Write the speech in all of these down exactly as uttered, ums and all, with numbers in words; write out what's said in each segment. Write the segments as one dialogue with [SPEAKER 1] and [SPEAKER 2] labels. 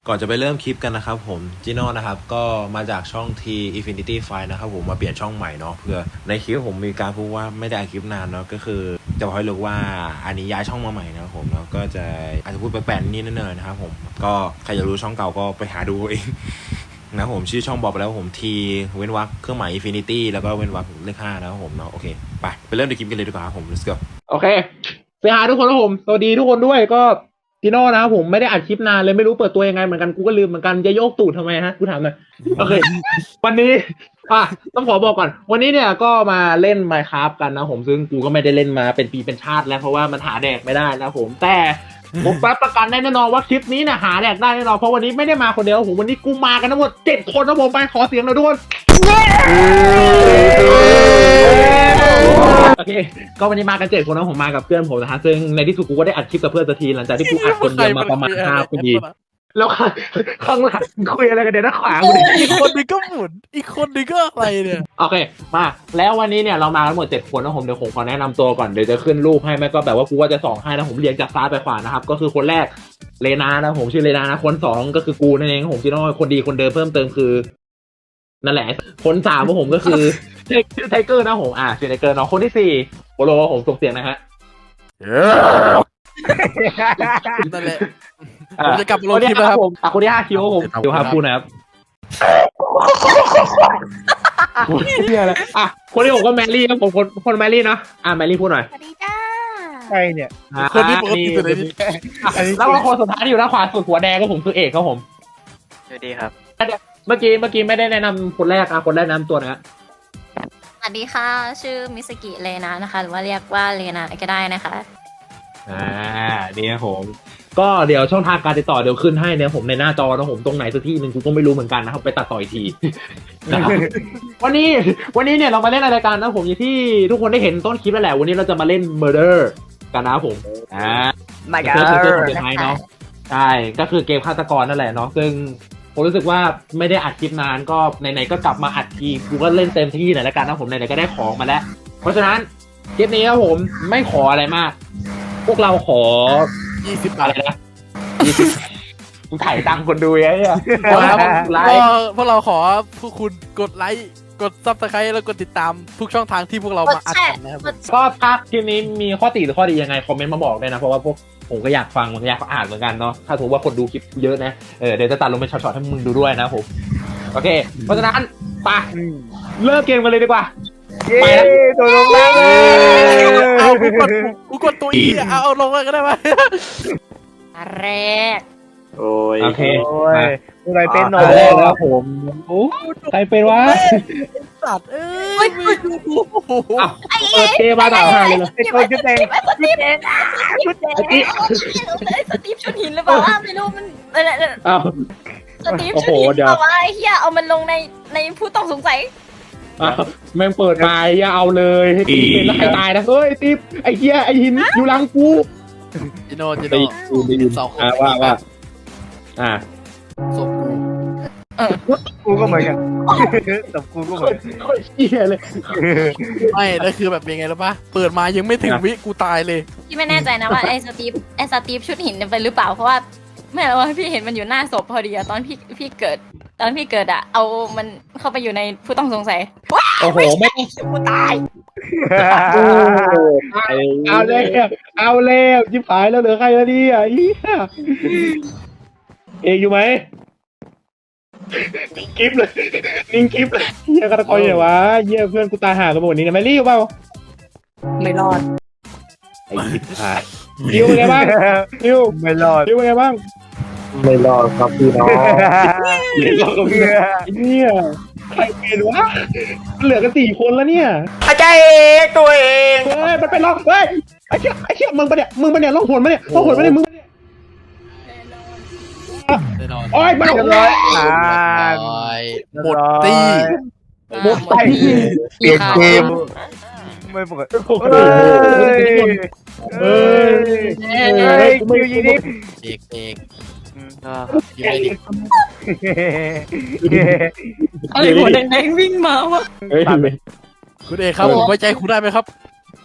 [SPEAKER 1] ก่อนจะไปเริ่มคลิปกันนะครับผมจิโน่นะครับก็มาจากช่อง T Infinity Five นะครับผมมาเปลี่ยนช่องใหม่เนาะเพื่อในคลิปผมมีการพูดว่าไม่ได้อัดคลิปนานเนาะก็คือจะบอกให้รู้ว่าอันนี้ย้ายช่องมาใหม่นะครับผมแล้วก็จะอาจจะพูดแปลกๆนิดนึงนะครับผมก็ใครอยากรู้ช่องเก่าก็ไปหาดูเองนะผมชื่อช่องบอกไปแล้วผม T เว้นวรรคเครื่องหมาย Infinity แล้วก็เว้นวรรคเลขห้านะครับผมเนาะโอเคไปไปเริ่มในคลิปกันเลยดีกว่าครับผม let's go
[SPEAKER 2] โอเคสวัสดีทุกคนนะผมสวัสดีทุกคนด้วยก็จิโน่นะครับผมไม่ได้อัดคลิปนานเลยไม่รู้เปิดตัวยังไงเหมือนกันกูก็ลืมเหมือนกันจะโยกตูดทำไมฮะกูถามหน่อยโอเค วันนี้อ่ะต้องขอบอกก่อนวันนี้เนี่ยก็มาเล่น Minecraft กันนะผมซึ่งกูก็ไม่ได้เล่นมาเป็นปีเป็นชาติแล้วเพราะว่ามันหาแดกไม่ได้นะผมแต่ผมรับประกันได้แน่นอนว่าคลิปนี้เนี่ยหาแดกได้แน่นอนเพราะวันนี้ไม่ได้มาคนเดียวผมวันนี้กูมากันทั้งหมดเจ็ดคนนะผมไปขอเสียงหน่อยทุกคนโอเคก็วันนี้มากันเจ็ดคนนะผมมากับเพื่อนผมนะฮะซึ่งในที่สุดกูก็ได้อัดคลิปกับเพื่อนสักทีหลังจากที่กูอัดคนเดียวมาประมาณห้าปีแล้วข้างหลังคุยอะไรกันเดี๋ยวนะขวาง
[SPEAKER 3] อีกคนนึงก็หมุนอีกคนนึงก็อะไรเนี่ย
[SPEAKER 2] โอเคมาแล้ววันนี้เนี่ยเรามาทั้งหมดเจ็ดคนนะผมเดี๋ยวผมขอแนะนำตัวก่อนเดี๋ยวจะขึ้นรูปให้แม่ก็แบบว่ากูว่าจะส่องให้นะผมเรียงจากซ้ายไปขวานะครับก็คือคนแรกเลนานะผมชื่อเลนานะคนสองก็คือกูนั่นเองผมจิโน่คนดีคนเดิมเพิ่มเติมคือนั่นแหละคนสามของผมก็คือชื่อไทเกอร์นะผมอ่าชื่อไทเกอร์เนาะคนที่สี่โปโลผมส่งเสียงนะฮะ
[SPEAKER 3] นั่นแหละผมจะกลับมาลงคลิป
[SPEAKER 2] ค
[SPEAKER 3] แล้ว
[SPEAKER 2] รั
[SPEAKER 3] ครับ
[SPEAKER 2] ผมอ่ะคนที่ห้าคิวครับผมคิวครับพูดนะครับเฮียอะไรอ่ะคนที่หกก็แมรี่ครับผมคนคนแมรี่เนาะอ่ะแมรี่พูดหน่อย
[SPEAKER 4] สวัสดีจ้า
[SPEAKER 5] ใครเนี่ย
[SPEAKER 3] คนที่ปกติสุดเลยนี่
[SPEAKER 2] แล้วก็คนสุดท้ายที่อยู่ด้านขวาสุดหัวแดงก็ผมคือเอกครับผม
[SPEAKER 5] สวัสดีครับ
[SPEAKER 2] เมื่อกี้เมื่อกี้ไม่ได้แนะนำคนแรกอ่ะคนแรกแนะนำตัวนะ
[SPEAKER 4] สวัสดีค่ะ ชื่อมิสกิเลนานะคะ หรือว่าเรียกว่าเลนาก็ได้นะคะ
[SPEAKER 2] อ่านี่ครับผมก็เดี๋ยวช่องทางการติดต่อเดี๋ยวขึ้นให้เนี่ยผมในหน้าจอนะผมตรงไหนสักที่หนึ่งกูก็ไม่รู้เหมือนกันนะครับไปตัดต่ออีกทีนะครับวันนี้วันนี้เนี่ยเรามาเล่นรายการนะผมอย่างที่ทุกคนได้เห็นต้นคลิปแล้วแหละวันนี้เราจะมาเล่น Murder กันนะผมอ่า
[SPEAKER 5] ไม่กั
[SPEAKER 2] เก
[SPEAKER 5] น
[SPEAKER 2] มคือเกมของเกมไทยเนาะใช่ก็คือเกมฆาตกรนั่นแหละเนาะซึ่งผมรู้สึกว่าไม่ได้อัดคลิปนานก็ไหนๆก็กลับมาอัดทีกูก็เล่นเต็มที่หน่อยแล้วกันนะผมไหนๆก็ได้ของมาแล้ว เพราะฉะนั้นคลิปนี้ครับผมไม่ขออะไรมาก พวกเราขอ
[SPEAKER 3] ยี่สิบ
[SPEAKER 2] อะไรนะยี่สิบกูถ่ายตังค์คนดูไอ้เนี่ย
[SPEAKER 3] พวกเรา
[SPEAKER 2] ไล
[SPEAKER 3] ก็
[SPEAKER 2] ฟ์
[SPEAKER 3] พวกเราขอพวกคุณกดไลค์กดซับสไครต์แล้วกดติดตามทุกช่องทางที่พวกเรา
[SPEAKER 4] กด
[SPEAKER 3] มาอัด
[SPEAKER 4] แช
[SPEAKER 3] กั
[SPEAKER 4] ร์
[SPEAKER 3] นนะครับ
[SPEAKER 4] กด
[SPEAKER 2] ก็ถ้าคลิปนี้มีข้อติหรือข้อดียังไงคอมเมนต์มาบอกด้วยนะเพราะว่าพวกผมก็อยากฟังอยากอ่านเหมือนกันเนาะถ้าถือว่าคนดูคลิปเยอะนะเออเดี๋ยวจะตัดลงเป็นช็อตๆให้มึงดูด้วยนะผมโอเค เพราะฉะนั้นไปเริ่มเกมกันเลยดีกว่า
[SPEAKER 5] ไปแล้วตัวลงแล้ว
[SPEAKER 3] เอากูกดกูกดตัวอีเอาเอาลงเลยก็ได้ไหม
[SPEAKER 4] แรก
[SPEAKER 5] โอ้ย
[SPEAKER 2] โอเค
[SPEAKER 5] โอ้ยอะไรเป็นหนอ
[SPEAKER 2] แรกแล้วผมโอ้ใครเป็นวะ
[SPEAKER 3] สัตว์เอ้ยไม่ดูโอ้โห
[SPEAKER 2] อ้าวเปิดเกมมาต่อหาเลยเหรอ
[SPEAKER 5] ไอ้คนชุดแดง
[SPEAKER 4] สตีฟชุดแดงสตีฟชุดหินหรือเปล่าไม่รู้มันอะไร
[SPEAKER 2] อ้าว
[SPEAKER 4] สตีฟชุดหินเปล่าวะไอ้เหี้ยเอามันลงในในผู้ต้องสงสัย
[SPEAKER 2] อ้าวแม่งเปิดมาอย่าเอาเลยให้ตีเป็นแล้วใครตายนะเฮ้ยติ๊บไอ้เหี้ยไอ้หินอยู่หลังกู
[SPEAKER 3] จิโน่จิ
[SPEAKER 2] ได้
[SPEAKER 3] โน่
[SPEAKER 2] ยินได้ยิน
[SPEAKER 3] สองคน
[SPEAKER 2] อ่าว่าว่าอ่า
[SPEAKER 3] ศพกู
[SPEAKER 5] กูก็เหมือนกันแต่กูก็เหมือน
[SPEAKER 2] โคตรเหี้ยเลย
[SPEAKER 3] ไม่แล้วคือแบบเป็นไงรู้ปะเปิดมายังไม่ถึงวิกูตายเลย
[SPEAKER 4] พี่ไม่แน่ใจนะว่าไอ้สตีฟไอ้สตีฟชุดหินเนี่ยเป็นหรือเปล่าเพราะว่าไม่รู้ว่าพี่เห็นมันอยู่หน้าศพพอดีอะตอนพี่พี่เกิด ตอนพี่เกิดอะเอามันเข้าไปอยู่ในผู้ต้องสงสัยว้า
[SPEAKER 2] โอ้โหไม่
[SPEAKER 4] กูตาย
[SPEAKER 2] โอ้เอาแล้วเอาแล้วยิบหายแล้วเหลือใครแล้วเนี่ยเหี้ยเอกอยู่ไหมนิ่งกิฟเลยนิ่งกิฟเลยเหี้ยกระตะกอยเนี่ยวะเหี้ยเพื่อนกูตายห่ากันหมดนี้นะไม่รีบเปล่า
[SPEAKER 4] ไม่รอด
[SPEAKER 2] ไอ้ยิบหายคิวเป็นไงบ้างคิว
[SPEAKER 5] ไม่รอด
[SPEAKER 2] คิวเป็นไงบ้าง
[SPEAKER 5] ไม่รอดครับพี่น้อง
[SPEAKER 2] เดี๋ยวเราก็ไม่ได้เนี่ยใครเป็นวะเหลือกันสี่คนแล้วเนี่ย
[SPEAKER 5] อาจารย์เองตัวเอง
[SPEAKER 2] เฮ้ยมันไปล็อกเฮ้ยไอ้เชี่ยไอ้เชี่ยมึงปะเนี่ยมึงปะเนี่ยล่องหนปะเนี่ยล่องหนปะเนี่ยมึง
[SPEAKER 3] แน่นอน
[SPEAKER 2] โอ้ยมัน
[SPEAKER 5] เรียบร้อยอ่า
[SPEAKER 3] หมดตี้
[SPEAKER 2] หมดไป
[SPEAKER 5] เปลี่ยนเกมไม่ปกติ
[SPEAKER 2] โอ้โห
[SPEAKER 5] เฮ้ย
[SPEAKER 2] เฮ้ย
[SPEAKER 5] เฮ้ยคิวยิงดิ
[SPEAKER 3] เอกเอก
[SPEAKER 5] อ่า
[SPEAKER 3] อยู่ในดิ
[SPEAKER 4] อะไรหัวแดงๆวิ่งมาวะ
[SPEAKER 2] เฮ้ย
[SPEAKER 3] คุณเอกครับผมไว้ใจคุณได้ไหมครับ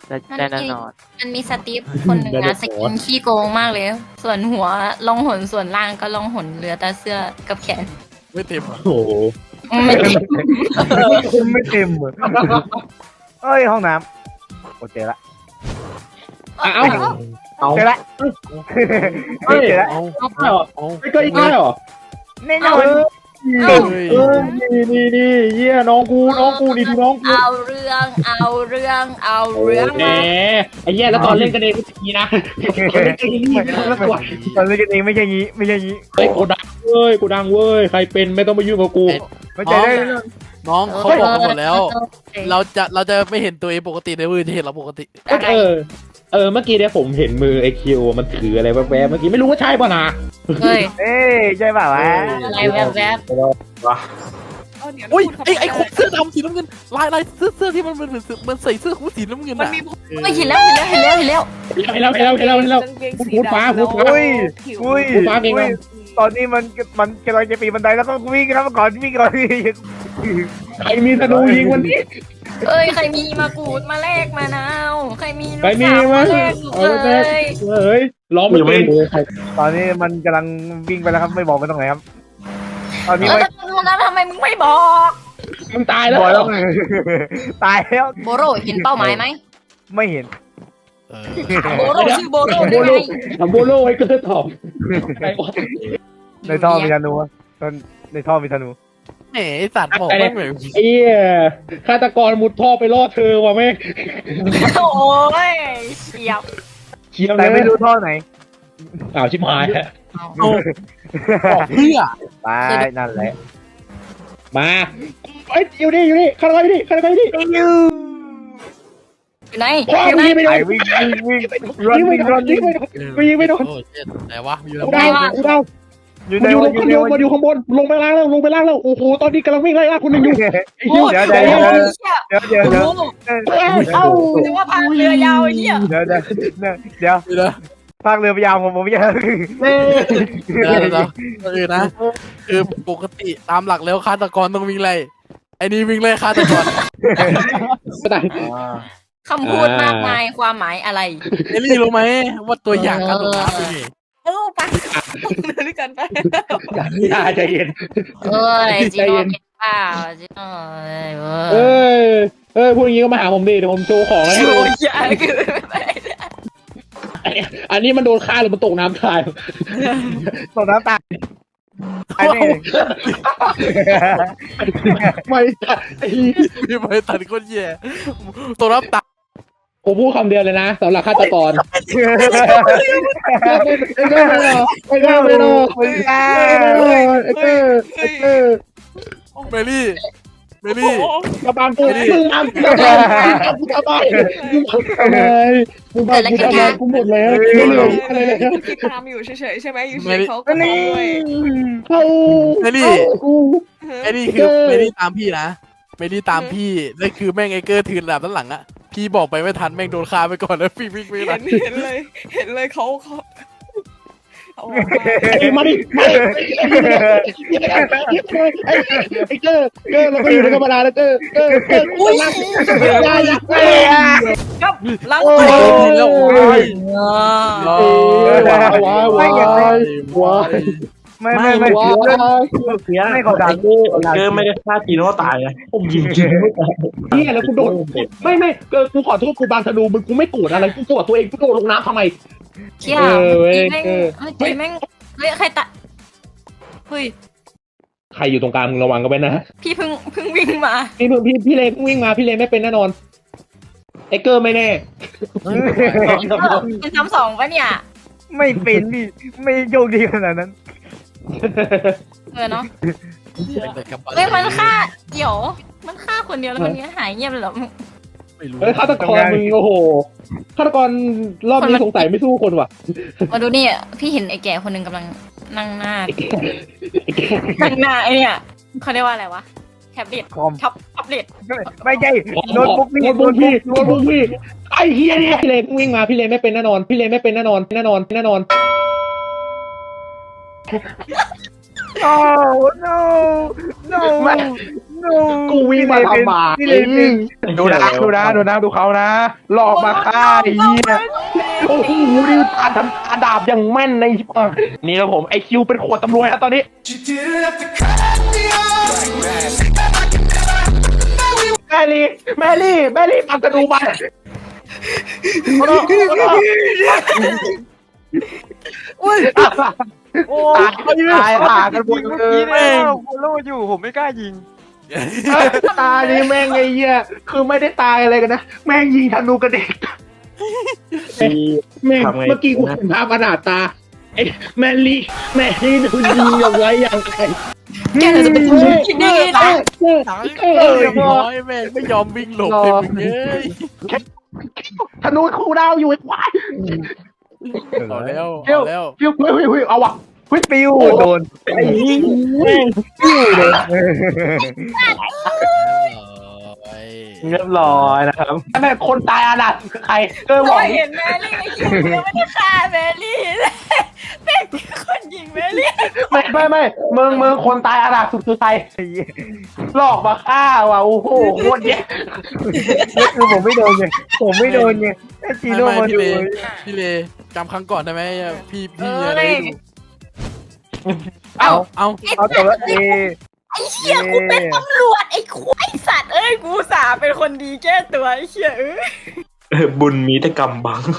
[SPEAKER 5] ได้ได้แน่นอน
[SPEAKER 4] มันมีสตีฟคนหนึ่งนะสกินขี้โกงมากเลย ส่วนหัวล่องหนส่วนล่างก็ล่องหนเหลือแต่เสื้อกับแขน
[SPEAKER 3] ไม่เต็มอะ
[SPEAKER 2] โอ้โห
[SPEAKER 4] ไม่เต็ม
[SPEAKER 5] ไม่เต็มเลยเอ้ยห้องน้ำโอเคละ
[SPEAKER 2] เอ้าเอา
[SPEAKER 5] เจอละ
[SPEAKER 2] เฮ้ย
[SPEAKER 5] เจอละ
[SPEAKER 3] เอา
[SPEAKER 2] เอาเปล่า
[SPEAKER 3] เอา
[SPEAKER 2] ไม่ก็อีกได้เหรอ
[SPEAKER 5] แน่นอน
[SPEAKER 2] เออเออนี่นี่นี่เยี่ยน้องกูน้องกูนี่ดูน้องกู
[SPEAKER 4] เอาเรื่องเอาเรื่องเอาเรื่อง
[SPEAKER 2] แหมไอ้เหี้ยแล้วตอนเล่นกันเองก็อย่างนี้นะตอนเล่นกันเองนี่ไม่ต้องละตัว
[SPEAKER 5] ตอนเล่นกันเองไม่ใช่งี้ไม่ใช่งี้
[SPEAKER 2] เฮ้ยกูดังเว้ยกูดังเว้ยใครเป็นไม่ต้องมายุ่งกับกู
[SPEAKER 5] ไม่ใจได้แน่นอน
[SPEAKER 3] น้องเขาบอกมาหมดแล้ว เราจะเราจะไม่เห็นตัวเองปกติในมือจะเห็นเราปกติ
[SPEAKER 2] เออเออเมื่อกี้เนี่ยผมเห็นมือไอคิวมันถืออะไรแวบๆเมื่อกี้ไม่รู้ว่าใช่ป่ะนะ
[SPEAKER 4] เฮ้ย
[SPEAKER 5] เอ้ยใช่เปล่าวะ
[SPEAKER 4] อะไรแวบ
[SPEAKER 3] โอ้ยไอไอคนเสื้อดำสีน้ำเงินลายลายเสื้อเสื้อที่มันมันมันใส่เสื้อคู่สีน้ำเงิน
[SPEAKER 6] มัน
[SPEAKER 3] อ่ะ
[SPEAKER 6] มี
[SPEAKER 4] ๆเฮ้ยเห็นแล้วเห็นแล้วเห็นแล้วเห็นแล้ว
[SPEAKER 2] เห็นแล้วเห็นแล้วเห็นแล้วเห็นแล้ว
[SPEAKER 6] กางเกง
[SPEAKER 2] พู
[SPEAKER 6] สี
[SPEAKER 2] ดฟ้า
[SPEAKER 6] ดำ
[SPEAKER 2] พูดฟ้า
[SPEAKER 5] อุ้ย
[SPEAKER 6] ผิว
[SPEAKER 5] อุ้ย
[SPEAKER 2] พูดฟ้าเอง
[SPEAKER 5] อุ้
[SPEAKER 2] นะ
[SPEAKER 5] ยตอนนี้มันมันกำลังจะปีนบันไดแล้วก็วิ่งครับก่อนวิ่งก่อน
[SPEAKER 2] ใครมีธนูยิงวันนี้
[SPEAKER 4] เอ้ยใครมีมะกรูดมาแลกมะนาวใครมี
[SPEAKER 2] ใครมี
[SPEAKER 4] มะ
[SPEAKER 2] มั้
[SPEAKER 4] มาย แลก
[SPEAKER 2] เอา
[SPEAKER 4] เล
[SPEAKER 2] ไปแลก
[SPEAKER 4] ย
[SPEAKER 2] เฮ้ยร้องไม่เป็น
[SPEAKER 5] ตอนนี้มันกำลังวิ่งไปแล้วครับไม่บอกไปตรงไหนครับตอนนี้
[SPEAKER 4] เออ
[SPEAKER 5] ไม่
[SPEAKER 4] แล้วแล้วทำไมมึงไม่บอก
[SPEAKER 2] มึงตายแล้ว
[SPEAKER 5] บอกแล้วตายแล้ว
[SPEAKER 4] โบโรเห็นเป้าหมายไหม
[SPEAKER 5] ไม่เห็น
[SPEAKER 3] เออ
[SPEAKER 4] ถามโบโรชื่อโบโร
[SPEAKER 2] โบ
[SPEAKER 4] ได้
[SPEAKER 2] โล
[SPEAKER 4] ไง
[SPEAKER 2] ทำโบโลไว้เกิดตอบใครวะ
[SPEAKER 5] ในท่อมีธนูอะตอนในท่อมีธนู
[SPEAKER 3] แหมไอสัตว์บอกไม่เหมือน
[SPEAKER 2] ไอ้เหี้ยฆาตกรมุดท่อไปล่อเธอว่ะแม่ง
[SPEAKER 4] โอ้ยเฉียบ
[SPEAKER 2] เคียว
[SPEAKER 5] แต่
[SPEAKER 2] เลย
[SPEAKER 5] ไม่รู้ท่อไหน
[SPEAKER 2] อ้าวชิบหายแล้ว
[SPEAKER 3] เอาบอกเพื่อ
[SPEAKER 5] ไปนั่นแหละ
[SPEAKER 2] มาเอ้ยอยู่นี่อยู่นี่ฆาตกรอยู่นี่ฆาตกรอยู่นี่
[SPEAKER 4] อยู่ไหน
[SPEAKER 2] ว้า
[SPEAKER 4] อยู่ไหน
[SPEAKER 2] ยิงไม่โด
[SPEAKER 5] ไป
[SPEAKER 2] น
[SPEAKER 5] วิ่งวิ่งวิ่ง
[SPEAKER 2] ยิงไม่
[SPEAKER 5] วิ่ง
[SPEAKER 2] โด
[SPEAKER 5] รั
[SPEAKER 2] น
[SPEAKER 5] น
[SPEAKER 2] ยิงไม่โดนกูยิงไม่โดน
[SPEAKER 3] โอ้เจ็ดแต่ว่าอยู่
[SPEAKER 2] กู
[SPEAKER 3] แล้ว
[SPEAKER 2] ดาวกูดาว
[SPEAKER 5] อยู่
[SPEAKER 2] มั
[SPEAKER 5] ใน
[SPEAKER 2] นอยู่
[SPEAKER 5] วันอยู่
[SPEAKER 2] มัน
[SPEAKER 5] ใน
[SPEAKER 2] อยู่
[SPEAKER 5] วัน
[SPEAKER 2] มันอยู่ข้างบนลงไปล่างแล้วลงไปล่างแล้วโอ้โหตอนนี้กำลังวิ่งไล่ล่าคนหนึ่งอยู่ไอ้เหี้ย
[SPEAKER 5] เดี๋ยวเดี๋ยวเดี๋ยว
[SPEAKER 4] โอ้ยเชี่ย
[SPEAKER 5] เดี๋ยวเดี๋ยวเดี๋ยว
[SPEAKER 4] โอ้โห
[SPEAKER 2] เอ้า
[SPEAKER 4] นึกว่าพายเรือยาวไอ้เหี้ย
[SPEAKER 5] เดี๋ยวเดี๋ยวเดี๋ยว
[SPEAKER 3] เดี๋ยวนะ
[SPEAKER 5] ภาคเรือพยายามผมผมไม่ใช่
[SPEAKER 3] เดี๋ยวเดี๋ยวเออนะคือปกติตามหลักแล้วฆาตกรต้องวิ่งไล่ไอ้นี่วิ่งไล่ฆาตกร
[SPEAKER 2] ไม่ได้
[SPEAKER 4] คำพูดมากมายความหมายอะไร
[SPEAKER 3] เอลี่รู้ไหมว่าตัวอย่างการตกน้ำเป็นไง
[SPEAKER 6] เออไปเดินด้วยกันไป
[SPEAKER 2] อย่าใจเย็น
[SPEAKER 4] เอ้ย
[SPEAKER 2] ใจ
[SPEAKER 4] จิโน่
[SPEAKER 2] เย็น
[SPEAKER 4] เป็นเปล่าจิโน่เอ้ยเว้
[SPEAKER 2] เอ้
[SPEAKER 4] ย
[SPEAKER 2] ยเอ้ยพูดอย่างงี้ก็มาหาผมดิเดี๋ยวผมโชว์ของให้
[SPEAKER 4] โอ้
[SPEAKER 2] ดู
[SPEAKER 4] ยอย่าคือไป
[SPEAKER 2] อันนี้มันโดนฆ่าหรือมันตกน้ำตาย
[SPEAKER 5] ตกน้ำตายไอ้นี่
[SPEAKER 2] ไม่ไอ้
[SPEAKER 3] พี่ไปตัดคนแย่ตัวรับตัด
[SPEAKER 2] ผมพูดคำเดียวเลยนะสำหรับฆาตกรไอ้เกอร์ไอ้เกอร์ไม่รอไอ้เกอร์ไอ้เกอร์ไอ้เกอร์
[SPEAKER 3] เมลี่เมลี่
[SPEAKER 2] กระบาลกูมึงทำกระบาลกูทำไมมึงทำไมมึงทำกูทำไมกูหมดแล้วไม่เหลืออะไรเลย
[SPEAKER 6] คุณคิดตามอยู่เฉยๆใช่ไหมอยู่เฉยๆเขาก็มาด้วย
[SPEAKER 2] เขา
[SPEAKER 3] เมลี่
[SPEAKER 2] กู
[SPEAKER 3] ไอ้นี่คือเมลี่ตามพี่นะเมลี่ตามพี่นั่นคือแม่งไอเกอร์ถือดาบด้านหลังอะพี่บอกไปไม่ทันแม่งโดนฆ่าไปก่อนแล้วพี่วิ่งไม่ทั
[SPEAKER 6] เห็
[SPEAKER 3] น
[SPEAKER 6] นเห็นเลย เห็นเลยเขาเขาเอาออกมา
[SPEAKER 2] ไอ้มาดิมาดิไอ้เกอร์เกอร์เราก็อยู่ในธรรมดาแล้วเกอร์เกอร์เกอร์อุ้ยยายา
[SPEAKER 6] ครับล้าง
[SPEAKER 2] โอ้
[SPEAKER 6] ตัวย
[SPEAKER 3] แล้วโอ้ย
[SPEAKER 2] ว้าวว้าวว้าวว้าว
[SPEAKER 5] ไม่ไม่ไม่
[SPEAKER 2] ว้าว
[SPEAKER 5] ไม่เขาดัง
[SPEAKER 7] เกอร์ไม่ได้ฆ่าจีโน่ตายนะผมยิงจีโน่ตาย
[SPEAKER 2] เนี่ยแล้วกูโดนไม่ไม่เกอร์กูขอโทษกูบางธนูมึงกูไม่โกรธอะไรกูโกรธตัวเองกูโดดลงน้ำทำไม
[SPEAKER 4] เชี่ย
[SPEAKER 2] เออเว้ย
[SPEAKER 4] แม่ง
[SPEAKER 2] เออ
[SPEAKER 4] เฮ้ยแม่งเฮ้ยใครตะเฮ้ย
[SPEAKER 2] ใครอยู่ตรงกลางมึงระวังกันไว้นะ
[SPEAKER 4] พี่เพิ่งเพิ่งวิ่งมา
[SPEAKER 2] พี่พี่พี่เลนวิ่งมาพี่เลนไม่เป็นแน่นอนไอ้เกอร์ไม่แน่
[SPEAKER 4] เป็นซ้ำสองปะเนี่ย
[SPEAKER 5] ไม่เป็นพี่ไม่โยกดีขนาดนั้น
[SPEAKER 4] เออเนาะ
[SPEAKER 3] แต่กลับบ้าน
[SPEAKER 4] เฮ้ยมันฆ่าเดี๋ยวมันฆ่าคนเดียวแล้วคนนี้หายเงียบเลยเหรอ
[SPEAKER 3] ไม่รู้
[SPEAKER 2] เฮ้ยฆาตกรมึงโอ้โหฆาตกรรอบนี้สงสัยไม่สู้คนว่ะ
[SPEAKER 4] มาดูนี่พี่เห็นไอ้แก่คนหนึ่งกำลังนั่งหน้านั่งหน้าไอ้เนี่ยเขาเรียกว่าอะไรวะแท็บเล็ต
[SPEAKER 5] คอม
[SPEAKER 4] ท็อปแท็บเล็ต
[SPEAKER 5] ไม่ใช่โน้ตบุ๊กนี่
[SPEAKER 2] โน้ตบุ๊กพี่โน้ตบุ๊กพี่ไอ้เฮียเนี่ยพี่เลนวิ่งมาพี่เลนไม่เป็นแน่นอนพี่เลนไม่เป็นแน่นอนแน่นอนแน่นอน
[SPEAKER 5] โอ้ no no no
[SPEAKER 2] กูวิ่งมาทำไม
[SPEAKER 5] พี่เลยเป็น
[SPEAKER 2] ดูนะดูนะดูนะดูเขานะหลอกมาฆ่าไอ้เหี้ยโอ้โหนี่ตาทำตาดาบอย่างแม่นในชิบหายนี่ครับผมไอคิวเป็นขวดตำรวจแล้วตอนนี้แมรี่แมรี่แมรี่ปักกระดูมา
[SPEAKER 3] อุ้ย
[SPEAKER 5] โอ้
[SPEAKER 2] ตายตายหากันหมดเลย
[SPEAKER 5] แม่งผมรู้อยู่ผมไม่กล้ายิง
[SPEAKER 2] ตานี่แม่งไอ้เหี้ยคือไม่ได้ตายอะไรกันนะแม่งยิงธนูกระเด็กแม่งเมื่อกี้กูเห็นภาพขนาดตาไอ้แมรี่แมรี่ดูยิงอย่างไรอย่างไร
[SPEAKER 4] แกจะเป็นคนคิดได้ไงนะ
[SPEAKER 3] เออน้อยแม่งไม่ยอมวิ่งหลบเลยมึงเอ้ย
[SPEAKER 2] ธนูคู่ดาวอยู่ไอ้ควาย
[SPEAKER 3] เอาแล้ว
[SPEAKER 2] เดี๋ยว
[SPEAKER 3] เอาแล้ว
[SPEAKER 2] เฮ้ยเฮ้ยเฮ้ยเอาว่ะ
[SPEAKER 5] ปิ้วโดน
[SPEAKER 2] ไอ้ยิงแม่ง
[SPEAKER 5] ปิ้วเลย
[SPEAKER 7] เรียบร้อยนะครับ
[SPEAKER 2] แม่งคนตายอานาถคือใครเออบ
[SPEAKER 4] เรา
[SPEAKER 2] อก
[SPEAKER 4] เห็นแมรี่ไอ้คิวยังไม่ได้ฆ่าแมรี่เลยเป็นคนยิงแมรี่
[SPEAKER 2] ไม่ไม่ไม่เมืองเมืองคนตายอานาถสุดคือใครหลอกมาฆ่าว่ะโอ้โหโคตรเยอะ
[SPEAKER 5] นี่คือผมไม่โดนไงผมไม่โดนไงไอ้จี
[SPEAKER 3] ไม่
[SPEAKER 5] โน่
[SPEAKER 3] ไม่
[SPEAKER 5] มา
[SPEAKER 3] พี่
[SPEAKER 5] ดู
[SPEAKER 3] เลพี่เลจำครั้งก่อนได้ไหมพี่
[SPEAKER 4] เอ
[SPEAKER 3] พี่
[SPEAKER 4] อ
[SPEAKER 3] อะไร
[SPEAKER 4] เลย
[SPEAKER 3] เอา
[SPEAKER 4] เอ้า
[SPEAKER 3] เอา
[SPEAKER 5] เอาแต่ว่าเอ
[SPEAKER 4] ไอ้เหี้ยกูเป็นตำรวจไอ้ควายสัตว์เอ้ยกูสาเป็นคนดีแก้ตัวไอ้เหี้ยเอ้ย
[SPEAKER 7] บุญมีแต่กรรมบัง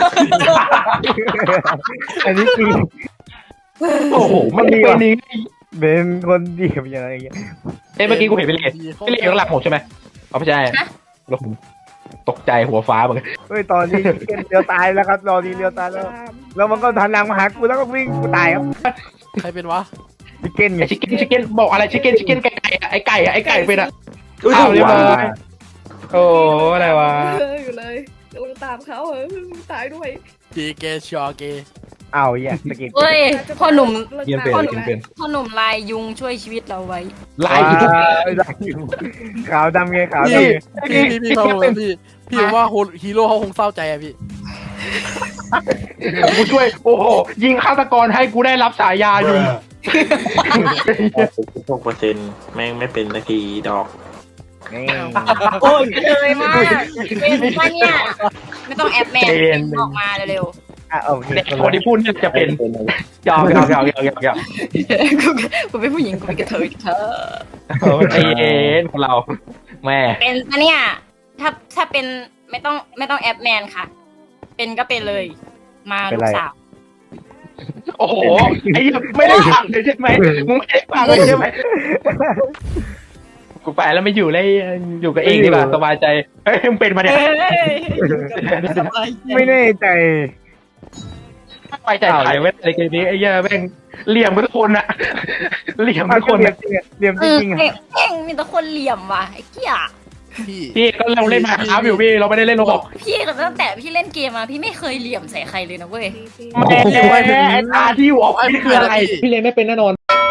[SPEAKER 5] อันนี้จริง
[SPEAKER 2] โอ้โหมันเป็นนี้
[SPEAKER 5] เป็นคนดีเป็นยังไงอย่างเงี้ย
[SPEAKER 2] เอ้ยเมื่อกี้กูเห็นพี่เล็กพี่เล็กอยู่ข้างหลังผมใช่ไหมเอาไม่ใช่แล้วผมตกใจหัวฟ้าเหมือนกัน
[SPEAKER 5] เฮ้ยตอนนี้เลี้ยวตายแล้วครับตอนนี้เลี้ยวตายแล้วแล้วมันก็ทันหลังมาหากูแล้วก็วิ่งกูตายครับ
[SPEAKER 3] ใครเป็นวะ
[SPEAKER 5] ชิคเก้นไง
[SPEAKER 2] ไอ้ชิคเก้นชิคเก้นบอกอะไรชิคเก้นชิคเก้นไก่ไก่อะไอ้ไก่อะไอ้ไก่เป็นอะ
[SPEAKER 7] อุ้ย
[SPEAKER 2] อ้าว
[SPEAKER 7] ถูก
[SPEAKER 2] เรียบร้
[SPEAKER 7] ว่า
[SPEAKER 2] อยโอ้อะไรวะ
[SPEAKER 6] เอออยู่เลยกำลังตามเขาเออตายด้วย
[SPEAKER 3] เจเกชอเก
[SPEAKER 5] อ้าวแย่สกิป
[SPEAKER 4] เฮ้ยพ่อหนุ่ม
[SPEAKER 7] เยี่ยมเป็น
[SPEAKER 4] พ่อห
[SPEAKER 7] เยี่
[SPEAKER 4] นุ่
[SPEAKER 7] ย
[SPEAKER 4] ม
[SPEAKER 7] มเป็น
[SPEAKER 4] พ่อหนุ่มลายยุงช่วยชีวิตเราไว้
[SPEAKER 2] ลายอยู่
[SPEAKER 5] ขาวดำไงขาวดำ
[SPEAKER 3] พี่
[SPEAKER 5] ไง
[SPEAKER 3] พี่พี่พี่เขาพี่พี่ว่าฮีโร่เขาคงเศร้าใจอะพี่
[SPEAKER 2] กูช่วย โอ้โห ยิงฆาตกรให้กูได้รับฉายาอยู่
[SPEAKER 7] หกเปอร์เซ็นต์แม่งไม่เป็นนาทีดอก
[SPEAKER 5] นี่
[SPEAKER 4] โอ้ยเลยมากเป็นมาเนี่ยไม่ต้องแอปแมนออกมาเร็ว
[SPEAKER 5] อ่ะโอเค
[SPEAKER 2] เด็กคนที่พูดเนี่ยจะเป็นยาวยาวยาวยาวยาวยาว
[SPEAKER 4] ๆกูกูเป็นผู้หญิงกูเป็นกระเทยเธอ
[SPEAKER 2] เออใจเย็นของเรา แม่
[SPEAKER 4] เป็นปะเนี่ยถ้าถ้าเป็นไม่ต้องไม่ต้องแอปแมนค่ะ เป็นก็เป็นเลย มาลูกสาว
[SPEAKER 2] โอ้โห ไอ้เหี้ยไม่ได้ฟังเลยใช่ไหมมึงไม่ได้ฟังเลยใช่ไหมกูไปแล้วไม่อยู่เลยอยู่กับเองดีกว่าสบายใจ เฮ้ยมึงเป็นมาเนี่ย
[SPEAKER 5] ไม่แน่ใจ
[SPEAKER 2] สบายใจถ่ายไว้ในเกมนี้ไอ้เหี้ยแม่งเหลี่ยมทุกคนอะเหลี่ยมทุกคน
[SPEAKER 5] เรีย
[SPEAKER 2] อะ
[SPEAKER 5] มจริงอะเรียมจ
[SPEAKER 4] เออ
[SPEAKER 5] ริงๆอะ
[SPEAKER 4] เพ่งเพ่งมีแต่คนเหลี่ยมว่ะไอ้เกี้ย
[SPEAKER 3] พี่
[SPEAKER 2] พี่ก็เราเล่นมาครับอยู่พี่เราไม่ได้เล่นโรบอก
[SPEAKER 4] พี่ตั้งแต่พี่เล่นเกมมาพี่ไม่เคยเหลี่ยมใส่ใครเลยนะเว้ย
[SPEAKER 2] แม่ไอ้ตาที่อยู่ออฟฟิศคืออะไร พี่เล่นไม่เป็นแน่นอน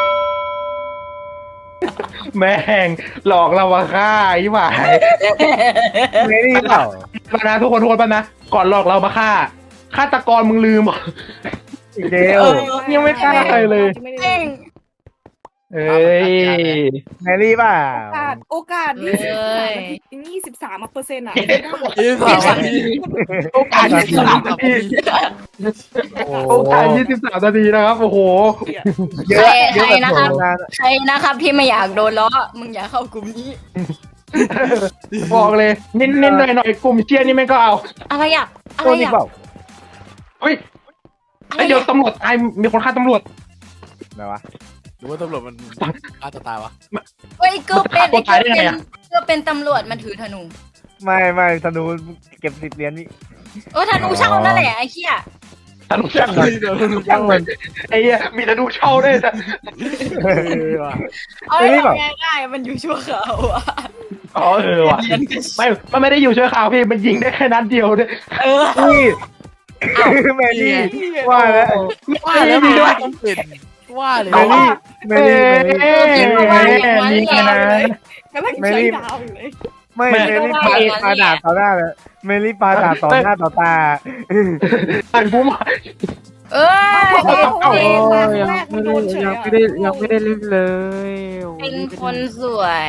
[SPEAKER 2] แม่งหลอกเราว่าฆ่าไอ้หมาย
[SPEAKER 5] ไม่ได้เปล่า
[SPEAKER 2] ปนะทุกคนทุกคนปะนะก่อนหลอกเรามาฆ่าฆาตกรมึงลืมเหรอ
[SPEAKER 5] อีกแล้ว
[SPEAKER 2] ยังไม่ฆ่าใครเลย
[SPEAKER 6] ไม่ได้
[SPEAKER 4] เพ่ง
[SPEAKER 2] เอ้ย
[SPEAKER 5] แมรี่เปล่า
[SPEAKER 6] โอกาสโอกาสยี่สิบสามยี่สิบสามเปอร์เซ็นต์อ่ะ
[SPEAKER 3] ยี่สิบสามนาที
[SPEAKER 2] โอกาสยี่สิบสามนาทีโอกาสยี่สิบสามนาทีนะครับโอ้โห
[SPEAKER 5] เยอะเยอะแบบผมงาน
[SPEAKER 4] ใครนะครับที่ไม่อยากโดนล้อมึงอย่าเข้ากลุ่มนี้
[SPEAKER 2] บอกเลยเน้นๆหน่อยๆกลุ่มเชียร์นี่แม่งก็เอา
[SPEAKER 4] อะไรอ่ะอะ
[SPEAKER 5] ตั
[SPEAKER 4] ไร
[SPEAKER 5] วนี้
[SPEAKER 4] อ่ะ
[SPEAKER 5] เปล่า
[SPEAKER 2] เฮ้ยไอเดี๋ยวตำรวจตายมีคนฆ่าตำรวจ
[SPEAKER 5] ไหนวะ
[SPEAKER 3] หรือว่าตำรวจมันอาจจะตายวะ
[SPEAKER 4] เฮ้ยเกือบเป็น
[SPEAKER 2] คนตายได้ไง
[SPEAKER 4] เป็น
[SPEAKER 2] อะ
[SPEAKER 4] เกือบเป็นตำรวจมันถือธนู
[SPEAKER 5] ไม่ไม่ธนูเก็บสิบเหรียญนี่
[SPEAKER 4] เออธนูเช่านั่นแหละไอ้เหี้ย
[SPEAKER 2] ธนูช่างมัน
[SPEAKER 5] ช่างมัน
[SPEAKER 2] ไอ้เหี้ยมีธนูเช่าด้วยแต่
[SPEAKER 3] เออว่ะ
[SPEAKER 4] เอาให้ทำไงได้มันอยู่ชั่วคราวอ่ะ
[SPEAKER 2] อ๋อเออว่ะไม่มันไม่ได้อยู่ชั่วคราวพี่มันยิงได้แค่นัดเดียวด้วย
[SPEAKER 4] เออ
[SPEAKER 5] นี่แมรี่ว่าแล้ว
[SPEAKER 3] ว่าแล้วมันต้องเป็นว่าเลย
[SPEAKER 5] แมรี่แมรี่แมรี่
[SPEAKER 2] แม่นี่ไงนะ
[SPEAKER 6] กำลังใช้ดาวอยู่เลย
[SPEAKER 5] ไม่แมรี่ปาปาดาบต่อหน้าเลยแมรี่ปาดาบต่อหน้าต่อตา
[SPEAKER 2] อันผู้มา
[SPEAKER 4] เอ้ย
[SPEAKER 6] โอ้
[SPEAKER 4] เป็น
[SPEAKER 6] ยแรกมันโดนเฉย
[SPEAKER 5] ยังไม่ได้ยังไม่ได้เล่นเลย
[SPEAKER 4] เป็นคนสวย
[SPEAKER 5] เ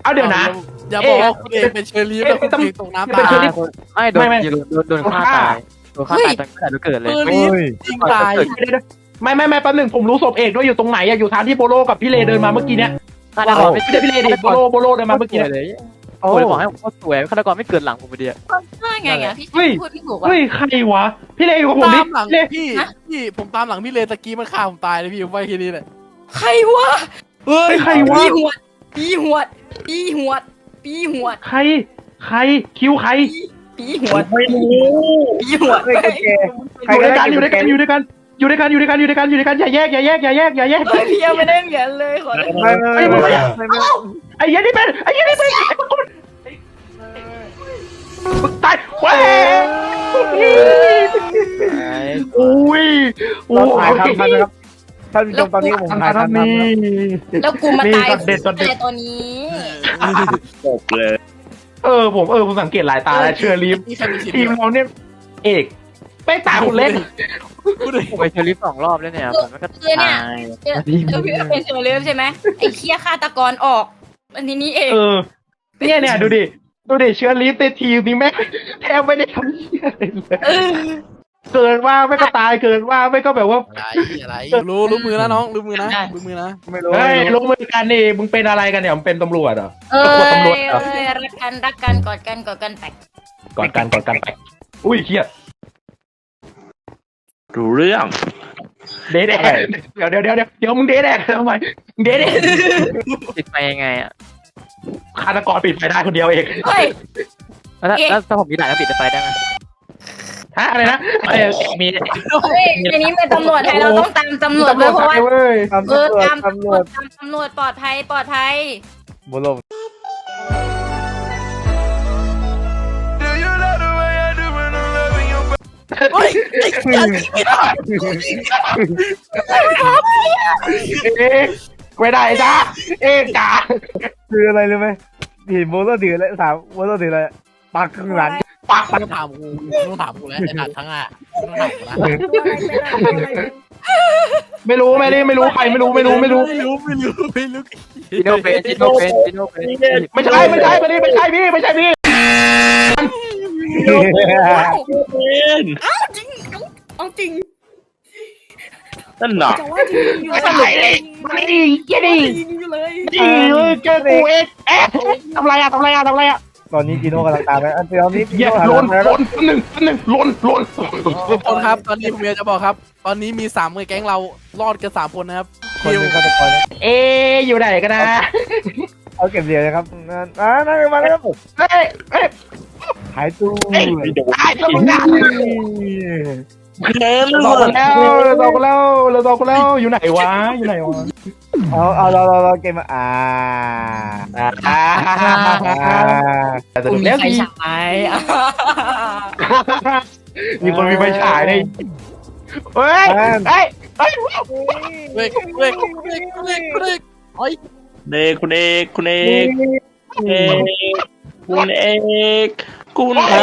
[SPEAKER 2] เอาเดี๋ยวนะ
[SPEAKER 3] อย่าบอกว่าคุณเองเป็นเชอรี่แล้วคุณเองตกน้ำ
[SPEAKER 2] เป็
[SPEAKER 3] ตาน
[SPEAKER 2] เชอรี่
[SPEAKER 3] ย
[SPEAKER 8] ไม่โดน
[SPEAKER 2] ไม่ไม่
[SPEAKER 8] โดนโดนโดนฆ่าตายโดนฆ่าตายตั้งแต่เกิดเลย
[SPEAKER 3] เชอ
[SPEAKER 5] โอ้
[SPEAKER 3] รี่
[SPEAKER 5] ย
[SPEAKER 3] จริงตาย
[SPEAKER 2] ไม่ไม่ไม่แป๊บหนึงผมรู้ศพเอกด้วยอยู่ตรงไหนอะอยู่ทางที่โบโลกับพี่เลเดินมาเมื่อกี้เนี้ย
[SPEAKER 8] ฆาตกร
[SPEAKER 2] ไม่ใช่พี่เลดิโบโลโบโลเดินมาเมื่อกี้
[SPEAKER 8] เล
[SPEAKER 2] เนี่ย
[SPEAKER 8] ยโอ้ยบอกให้ผมสวยฆาตกรไม่เกิดหลังผมไปเดียว
[SPEAKER 4] ว่าไงอ่ะพี่
[SPEAKER 2] เฮ้ย
[SPEAKER 4] พูดไม่ถูกว่ะ
[SPEAKER 2] เฮ้ยใครวะพี่เลอยู่กับผม
[SPEAKER 3] ตา
[SPEAKER 2] ดิ
[SPEAKER 3] มหลัง
[SPEAKER 2] เล
[SPEAKER 3] พี่พี่ผมตามหลังพี่เลตะกี้มันฆ่าผมตายเลยพี่ผมไว้แค่นี้แหละ
[SPEAKER 6] ใครวะเฮ้
[SPEAKER 2] เฮ้
[SPEAKER 6] ย
[SPEAKER 2] ยใครวะ
[SPEAKER 6] ปีหวดปีหวดปีหวดปีหวด
[SPEAKER 2] ใครใครคิวใคร
[SPEAKER 6] ปีหวด
[SPEAKER 2] ไม่รู้
[SPEAKER 6] ปีหวด
[SPEAKER 5] เฮ้ยโอเคใคร
[SPEAKER 2] อยู่
[SPEAKER 5] ก็
[SPEAKER 2] ด้วย
[SPEAKER 5] ได้
[SPEAKER 2] กันอยู่ด้วยกันอยู่ด้วยกันอยู่ด้วยกันอยู่ด้วยกันอยู่ด้วยกันอยู่ด้วยกันอย่าแยกอย่าแยกอย่าแยกอย่าแยก
[SPEAKER 6] เฮ้ยพี่ยังไม่ได้เหรียญเลยขอโทษ
[SPEAKER 5] ไม่ไม่ไม่ไม่ไม่
[SPEAKER 2] ไอ้เหี้ยันนี่เป็นไอ้เหี้ยันนี่เป็นมึงตายเว้ยอุ้ย
[SPEAKER 5] เราถ่ายทำทันนะครับท่านผู้ชมตอนนี้ผมถ่าย
[SPEAKER 2] ทำ
[SPEAKER 5] ทำ
[SPEAKER 2] นี่
[SPEAKER 4] แล้วกูมาตาย
[SPEAKER 2] นี่ช็อตเด็ดช็อตเด็ด
[SPEAKER 4] ตายตัวนี้
[SPEAKER 5] จบเลย
[SPEAKER 2] เออผมเออผมสังเกตหลายตาแล้วเชอร์ลีฟ
[SPEAKER 3] นี่ใครมีสิทธิ์
[SPEAKER 2] ทีมเราเนี่ยเอกไม่ตาคนเล่น
[SPEAKER 3] พูดเลย
[SPEAKER 8] ผมไปเชอรี่สองรอบแล้วเนี่ยผมก็
[SPEAKER 4] คือเนี่ย
[SPEAKER 8] ตาย
[SPEAKER 4] เจอเจอพี่เป็นเชอร์เลีฟใช่ไหมไอ้เคี้ยฆาตกรออกอันนี้นี่เอง
[SPEAKER 2] เออเนี่ยเนี่ยดูดิดูดิเชอร์ลีฟในทีมนี้แม่งแทบไม่ได้ทำเหี้ยอะไรเลยเกินว่าไม่ก็ตายเกินว่าไม่ก็แบบว่า
[SPEAKER 3] อะไรอะไรรู้รู้มือนะน้องรู้มือนะรู้มือนะ
[SPEAKER 5] ไม่รู้
[SPEAKER 2] เฮ้ยลงมือกันนี่มึงเป็นอะไรกันเนี่ยมึงเป็นตำรวจเหรอ
[SPEAKER 4] เออ
[SPEAKER 2] ตำรวจเหรอ
[SPEAKER 4] เออรักกันรักกันกอดกันกอดกันแตก
[SPEAKER 2] ก่อนกันก่อนกันไปอุ้ยเครียด
[SPEAKER 7] รู้เรื่อง
[SPEAKER 2] เดทแดกเดี๋ยวเดี๋ยวเดี๋ยวเดี๋ยวเดี๋ยวมึงเดทแดกทำไมมึงเดทแดก
[SPEAKER 8] ติดไปยังไงอ่ะ
[SPEAKER 2] ฆาตกรปิดไฟได้คนเดียวเอง
[SPEAKER 4] เฮ้ย
[SPEAKER 8] แล้วถ้าแล้วถ้าผมมีด่านแล้วปิดไฟได้ไหม
[SPEAKER 2] ฮะอะไรนะเอ้ยมี
[SPEAKER 4] เฮ้ยอันนี้เป็นตำรวจไทยเราต้องตามตำรวจเลยเพราะว่า
[SPEAKER 2] เว้ย
[SPEAKER 5] ตำร
[SPEAKER 4] เอ
[SPEAKER 5] ว
[SPEAKER 4] อ
[SPEAKER 5] จ
[SPEAKER 4] ตาม
[SPEAKER 5] ตำรวจ
[SPEAKER 4] ตามตำรวจปลอดภัยปลอดภัย
[SPEAKER 5] บุลม
[SPEAKER 3] เฮ้ย
[SPEAKER 2] เอ๊ะไม่ได้จ้าเอ๊ะจ้า
[SPEAKER 5] คืออะไรรู้ไหมเห็นโบโลถือแล้วถามโบโลถืออะไรปักข้างหลัง
[SPEAKER 2] ปัก
[SPEAKER 3] ไม่ต้องถามกูไม่ต้องถามกูแล้วไอ้ด่านทั้งอ่ะไม่ต้องถามกูนะ
[SPEAKER 2] ไม่รู้ไม่ได้ไม่รู้ใครไม่รู้ไม่รู้ไม่รู้
[SPEAKER 3] ไม่รู้ไม่รู้ไม่รู้
[SPEAKER 8] จิโนเป็นจิโนเป็นจิโนเป็น
[SPEAKER 2] ไม่ใช่ไม่ใช่ไม่ได้ไม่ใช่พี่ไม่ใช่พี่
[SPEAKER 6] เอาจริง
[SPEAKER 7] นั่นหรอ
[SPEAKER 6] จะว่าจริงอยู่
[SPEAKER 2] ไม่ใช่เลยมาดิเจดิ
[SPEAKER 6] จริงอยู่เลย
[SPEAKER 2] ดิเจอกูเองเอ๊ะทำไรอะทำไรอะทำไรอะ
[SPEAKER 5] ตอนนี้จีโน่กำลังตามไปอันตอนนี้จี
[SPEAKER 2] เหี้ย
[SPEAKER 5] โน่
[SPEAKER 2] ล้น
[SPEAKER 5] หัน
[SPEAKER 2] ล้นหนึ่งหนึ่งล้นล้น
[SPEAKER 3] ทุกคนครับตอนนี้ผมอยากจะบอกครับ ตอนนี้มีสามแก๊งเรารอดกันสามคนนะครับ
[SPEAKER 5] คนหนึ่งฆาตกร
[SPEAKER 2] เอ๊ะอยู่ไหนกันนะ
[SPEAKER 5] เอาเก็บเหรียญนะครับอ่านั่งมาแล้ว
[SPEAKER 2] เฮ้ยเฮ้ย
[SPEAKER 5] หายตู้
[SPEAKER 2] ตายแล้วมึงอะ
[SPEAKER 7] เล่น
[SPEAKER 2] เราตกแล้วเราตกแล้วเราตกแล้วอยู่ไหนวะอยู่ไหนวะ
[SPEAKER 5] เอาเอาเราเราเราเกมมาอ่า
[SPEAKER 2] อ่า
[SPEAKER 5] อ่า
[SPEAKER 2] แต่สนุกแล้ว
[SPEAKER 6] ใคร
[SPEAKER 2] สิ
[SPEAKER 6] ฉายอ่ะ
[SPEAKER 2] มีคนมีไฟฉายในเฮ้ยเฮ้ยเฮ้ย
[SPEAKER 3] เล็กเล็กเล็กเล็กเล็กโอ้ย
[SPEAKER 7] เด็กคุณเอกคุณเอกเอกคุณเอกคุณเอก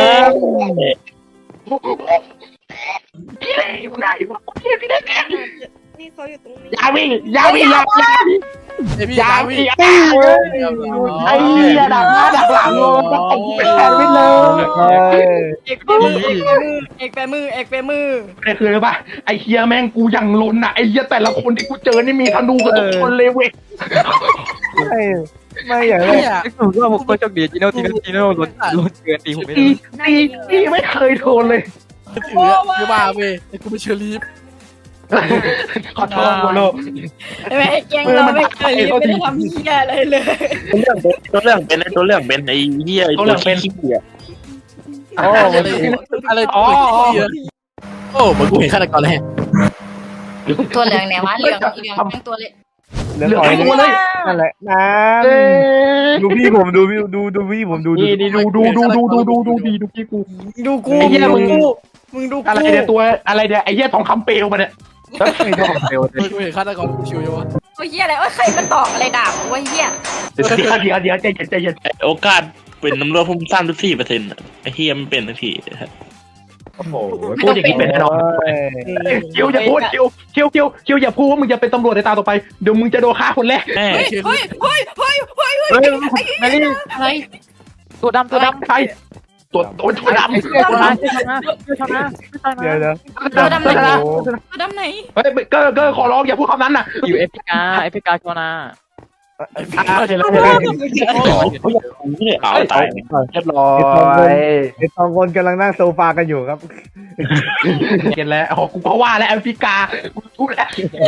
[SPEAKER 2] พี่เล่อยู่ไหนวะพี่พี่เล่
[SPEAKER 6] นี่เขาอยู่ตรงนี้
[SPEAKER 2] ยาวิยาวิยาวิ
[SPEAKER 3] ไอพี่
[SPEAKER 2] ยา
[SPEAKER 3] ลา
[SPEAKER 2] วิ
[SPEAKER 3] วิ
[SPEAKER 2] ไอ้เหี้ยดักหน้าดักหลังเลยไอ้เป็นแทนไปเลย
[SPEAKER 5] เฮ้ย
[SPEAKER 6] เอกแปมือเอกแปมือเอกแปมือ
[SPEAKER 2] นี่คืออะไรปะไอ้เฮียแม่งกูยังล้นอ่ะไอ้เฮียแต่ละคนที่กูเจอนี่มีธนูกับทุกคนเลยเว้ย
[SPEAKER 5] ไม่ไม่อย่างไร
[SPEAKER 3] เนี่ย
[SPEAKER 8] ผมว่าผมก็โชคดีจิโนจิโนจิโนล้นล้นเกินตีผมไม่
[SPEAKER 2] ตี
[SPEAKER 8] ได้
[SPEAKER 2] ตีตีไม่เคยโดนเลย
[SPEAKER 3] ถือคือว่าเว้ยไอ้กูเป็นเชอรี่
[SPEAKER 2] ขอโทษโมโล
[SPEAKER 6] ไม่ไอ้แกงเราไม่เคยไม่ได้ทำเหี้ยอะไรเลย
[SPEAKER 7] ตัวเรื่องเป็นตัวเรื่องเป็นไอ้เหี้ยตัวขี้เกียจ
[SPEAKER 2] โอ้
[SPEAKER 3] อะไรอะไรตัวเหี้ยโอ้เหมือนกูเห็นฆาตกรเลย
[SPEAKER 4] ตัวเหลืองไหนวะเหลืองเหลืองทั้งตัวเลย
[SPEAKER 5] เหลือหอยเลยนั่นแหละน้ำดูพี่ผมดูพี่ดูดูพี่ผมดูดู
[SPEAKER 2] นี่นี่ดูดูดูดูดูดูดูดีดูพี่กู
[SPEAKER 6] ดูกู
[SPEAKER 2] ไอ้เหี้ยมึง
[SPEAKER 6] มึงดูกู
[SPEAKER 2] อะไรเนี่ยตัวอะไรเนี่ยไอ้เหี้ยทองคำเปลวมาเนี่ย
[SPEAKER 5] ไม่ชอบเร็ว
[SPEAKER 3] กูเห็นฆาตกรกูชิวอยู่วะ
[SPEAKER 4] โอ้ยเหี้ยอะไรโอ้ยใครมาตอกอะไรดาบโอ้ยเหี้ย
[SPEAKER 2] เดี๋ยวเดี๋ยวเดี๋ยวใจเย็นใจเย็น
[SPEAKER 7] โอกาสเป็นน้ำรวจพุ่มสามสิบสี่เปอร์เซ็นต์ไอ้เหี้ยมันเป็นทันที
[SPEAKER 5] โอ้โห
[SPEAKER 2] พูดอย่างนี้เป็นแน่นอนคิวอย่าพูดคิวคิวคิวคิวอย่าพูดว่ามึงจะเป็นตำรวจในตาต่อไปเดี๋ยวมึงจะโดนฆ่าคนแรก
[SPEAKER 7] แม่
[SPEAKER 6] เฮ้ยเฮ้ยเฮ้ยเฮ้ยเฮ้ย
[SPEAKER 2] เฮ้ยแมรี่
[SPEAKER 4] อะไร
[SPEAKER 8] ตัวดำตัวดำ
[SPEAKER 2] ใครตัวตัวตัวดำ
[SPEAKER 8] ช่วยชนะช่วยชนะช่วยชนะช่วยชนะ
[SPEAKER 5] เดี๋ยวเดี๋ยว
[SPEAKER 4] ตัวดำไหน
[SPEAKER 2] นะ
[SPEAKER 4] ตัวดำไหน
[SPEAKER 2] เฮ้ยเกอร์เกอร์ขอร้องอย่าพูดคำนั้นน่ะ
[SPEAKER 8] อยู่เอพิกาเอพิกาชนะ
[SPEAKER 2] เห็นแล้วเห็นแล้ว
[SPEAKER 7] นี่เอาตาย
[SPEAKER 2] เรียบร้อย
[SPEAKER 5] ไอ้สองคนกำลังนั่งโซฟากันอยู่ครับ
[SPEAKER 2] เห็นแล้วอ๋อกูก็ว่าแล้วแอฟริกากูพูดแล้ว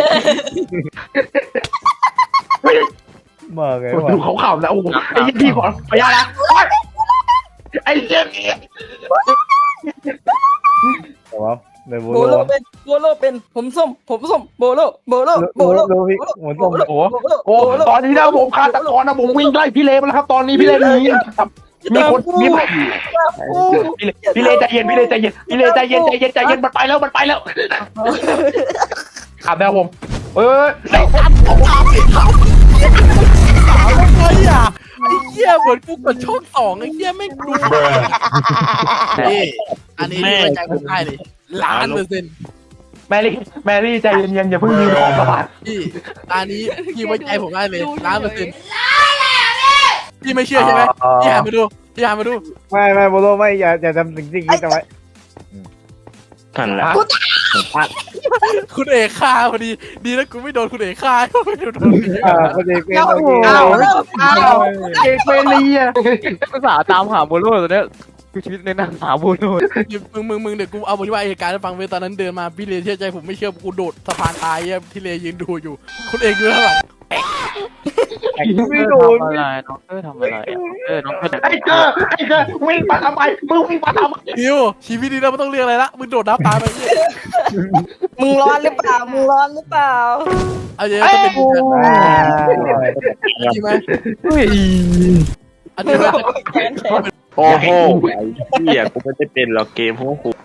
[SPEAKER 5] มาไงวะ
[SPEAKER 2] ดูเขาข่าวแล้วโอ้โหไอ้ยี่พี่ขอขออนุญาตนะไอ้เหี้ย
[SPEAKER 5] แต่ว่าในโบ
[SPEAKER 6] โบ
[SPEAKER 5] โล
[SPEAKER 6] โลเป็นโบโลเป็นผมส้มผมส้มโบโลโบโลโบ
[SPEAKER 5] โบ
[SPEAKER 6] โล
[SPEAKER 5] โลพี่หมุนตรง
[SPEAKER 2] โอ้โหโอ้ตอนนี้นะผมคาตะกรนะผมวิ่งไล่พี่เลมาแล้วครับ ตอนนี้พี่เลหนีมีคนมีพี่เลใจเย็นพี่เลใจเย็นพี่เลใจเย็นใจเย็นใจเย็นมันไปแล้วมันไปแล้วขับแล้วผมเออ
[SPEAKER 3] ไอ้อะไอ้เหี้ยเหมือนกูกดช่องสองไอ้เหี้ยไม่รู้นี่อันนี้ไม่ไว้ใจผมได้เลยล้านเปอร์เซ็นต์
[SPEAKER 2] แมรี่แมรี่ใจเย็นๆอย่าเพิ่งยืนออกกระบาด
[SPEAKER 3] พี่อันนี้พี่ไว้ใจผมได้เลยล้านเปอร์เซ็นต์พี่ไม่เชื่อใช่ไหมพี่หันมาดูพี่หันมาดู
[SPEAKER 5] ไม่ไม่โบโลไม่อย่าอย่าทำสิ่งที่คิดเอาไว้
[SPEAKER 7] กันแล้ว
[SPEAKER 3] คุณเอกฆ่าพอดีดีนะกูไม่โดนคุณเอกฆ่าไม่โดน
[SPEAKER 5] อ่าพอดีเป็นโอเค
[SPEAKER 2] อ้าวอ้าวเอกเมรี่อ่ะ
[SPEAKER 8] ภาษาตามหาโบโลตัวเนี้ยคือชีวิตในนั่งหาโบโล
[SPEAKER 3] มึงมึงมึงเดี๋ยวกูเอาบทว่าเหตุการณ์ให้ฟังเว้ยตอนนั้นเดินมาพี่เลเชื่อใจผมไม่เชื่อกูโดดสะพานตายที่เลยืนดูอยู่คุณเอกอยู่ข้างหลัง
[SPEAKER 5] ไม่โดน
[SPEAKER 8] ทำอะไรน้องเตอร์ทำอะไรเออน้องเตอร์
[SPEAKER 2] ไอ้เกอร์ไอ้เกอร์วิ่งมาทำไมมึงวิ่งมาทำไม
[SPEAKER 3] คิวชีวิตนี้เราไม่ต้องเรียกอะไรละมึงโดดน้ำตายไปเนี่ย
[SPEAKER 6] มึงร้อนหรือเปล่ามึงร้อนหรือเปล่า
[SPEAKER 3] เอาอย่างนี้จะเป็นจริงไหมอันนี้
[SPEAKER 7] โอ้โหไอ้เหี้ยกูไม่ได้เป็นหรอกเกมพวกกู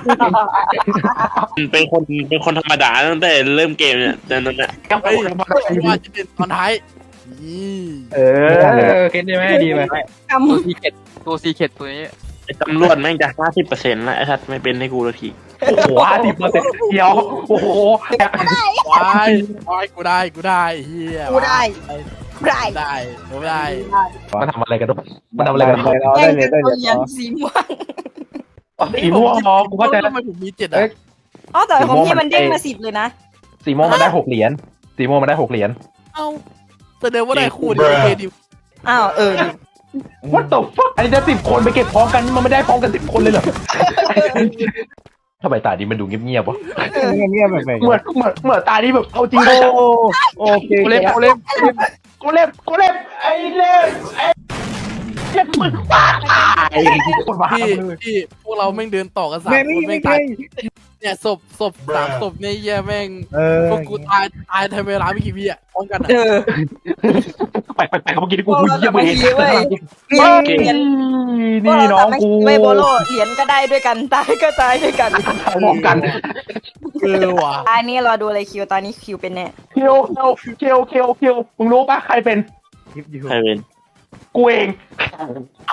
[SPEAKER 7] เป็นคนเป็นคนธรรมดาตั้งแต่เริ่มเกมเนี่ยแต่นั่นแหละ
[SPEAKER 3] ไอ้ว่าจะเป็นตอนท้ายนี่
[SPEAKER 2] เออเก็ตได้ไหมดีไหม
[SPEAKER 8] ตัวซีเค็ดตัวซีเค็ดตัวนี้
[SPEAKER 7] ไอ้ตำรวจแม่งจะห้าสิบเปอร์เซ็นต์แล้วไอ้ทัดไม่เป็นให้กูละที
[SPEAKER 2] โอ้โหห้าสิบเปอร์เซ็นต์เดียวโอ้โห
[SPEAKER 3] วายวายกูได้กูได้เฮีย
[SPEAKER 6] กูได้ได้
[SPEAKER 3] ได้ผมได้
[SPEAKER 2] มันทำอะไรกันมันทำอะไรกัน
[SPEAKER 5] ได้เราได้เลยได้เลย
[SPEAKER 6] เหรียญสีม่วง
[SPEAKER 2] สีม่วงมองกูเข้าใจ
[SPEAKER 3] ทำไมผมมีเจ็ดอ่ะ
[SPEAKER 6] อ๋อแต่ของพี่มันเด้งมาสิบเลยนะ
[SPEAKER 2] สีม่วงมันได้หกเหรียญสีม่วงมันได้หกเหรียญ
[SPEAKER 3] เอ้าแสดงว่าได้คู่ดีโอเคดี
[SPEAKER 6] อ้าวเออ
[SPEAKER 2] What the fuck อันนี้จะสิบคนไปเก็บพร้อมกันมันไม่ได้พร้อมกันสิบคนเลยเหรอทำไมตานี้มันดูเงียบๆวะ
[SPEAKER 5] เงียบเงียบแบบไหน
[SPEAKER 2] เหมือนเหมือนเหมือนตานี้แบบเอาจริง
[SPEAKER 5] โอ้โอเค
[SPEAKER 2] กูเล่นกูเล่นกูเล่นกูเล่นไอ้เล่นไอ้เล่นมึงบ้าไอ้คนบ้า
[SPEAKER 3] พี่พี่พวกเราแม่งเดินต่อกันสาม
[SPEAKER 5] แม่
[SPEAKER 3] ค
[SPEAKER 5] ไม่
[SPEAKER 3] นแม่
[SPEAKER 5] ไม่
[SPEAKER 3] ง
[SPEAKER 5] ใช่
[SPEAKER 3] ตายเนี่ยศพศพสามศพเนี่ยแย่แม่ง
[SPEAKER 5] เออ
[SPEAKER 3] พวกกูตายตายทำเวลาไม่กี่วิอ่ะพร้อมกันอ่ะ
[SPEAKER 6] เออ
[SPEAKER 2] ไปไปไปเมื่อกี้กูเยี่ยมเห็น
[SPEAKER 6] เหรียญ
[SPEAKER 2] นี่น้องกู
[SPEAKER 6] ไม่โบโลเหรียญก็ได้ด้วยกันตายก็ตายด้วยกัน
[SPEAKER 2] พร้อมกัน
[SPEAKER 3] เออว่ะ
[SPEAKER 6] ตอนนี้รอดูอะไรคิวตอนนี้คิวเป็นแน่
[SPEAKER 2] เคียวเคียวเคียวเคียวเคียวมึงรู้ปะใครเป็น
[SPEAKER 5] คลิปอยู่
[SPEAKER 7] ใครเป็น
[SPEAKER 2] กูเอง
[SPEAKER 3] เอ้า